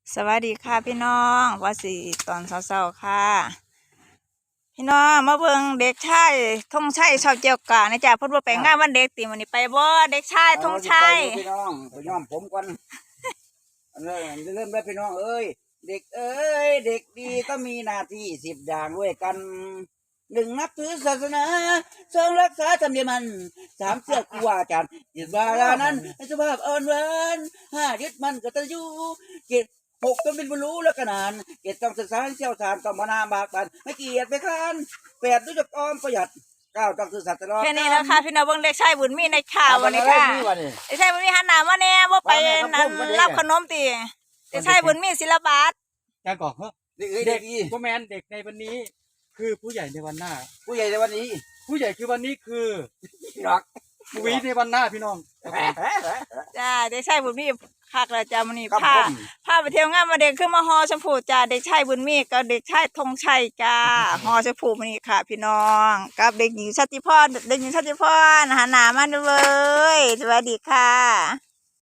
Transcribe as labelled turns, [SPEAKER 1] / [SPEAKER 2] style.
[SPEAKER 1] สวัสดีค่ะพี่น้องว่าสิตอนเช้าๆค่ะพี่น้องมาเบิ่งเด็กชายธงชัยชาวเจียวกานะจ๊ะเพิ่นบ่ไปงานวันเด็กติมื้อนี้ไปบ่เด็กชายธงชัย
[SPEAKER 2] พี่น้องไปย้อมผมก่อนเริ่มได้พี่น้องเอ้ยเด็กเอ้ยเด็กดีก็มีหน้าที่10อย่างด้วยกัน1นับถือศาสนา2รักษาธรรมเนียมมัน3เชื่อครูอาจารย์ยึดวาระนั้นให้สุภาพอ่อนหวาน5ยึดมั่นกตัญญู7 6ต้องเป็นผู้รู้และขนาน7ต้องศึกษาให้เชี่ยวชาญต้องมานาบากบั่นไม่เกียจไม่ค้าน8รู้จักออมประหยัด9ต้องซื่อสัตย์ตลอด
[SPEAKER 1] แค่นี้แล้วค่ะพี่น้องเบิ่งเด็กชายบุญมีในข่าววันนี้ค่ะเด็กชายบุญมีหันหน้ามาแน่บ่ไปนั่นรับขนมติเด็กชายบุญมีศิลปะ
[SPEAKER 3] การก่อนเฮ้
[SPEAKER 2] เด็ก
[SPEAKER 3] พ่อแมนเด็กในวันนี้ คือผู้ใหญ่ในวันหน้า
[SPEAKER 2] ผู้ใหญ่ในวันนี้
[SPEAKER 3] ผู้ใหญ่คือวันนี้คือ
[SPEAKER 2] รัก
[SPEAKER 3] ผู้วิในวันหน้าพี่น้อง
[SPEAKER 1] จ้าเด็กชายบุญมีคักแล้วจ้ามื้อนี้
[SPEAKER 2] ครับ
[SPEAKER 1] พาไปเที่ยวงานมาเด็กขึ้นมาฮอชมพูจ้าเด็กชายบุญมีกับเด็กชายธงชัยจ้าฮอชมพูมื้อนี้ค่ะ พี่น้องกับเด็กหญิงชติพรหันหน้ามาเลยสวัสดีค่ะ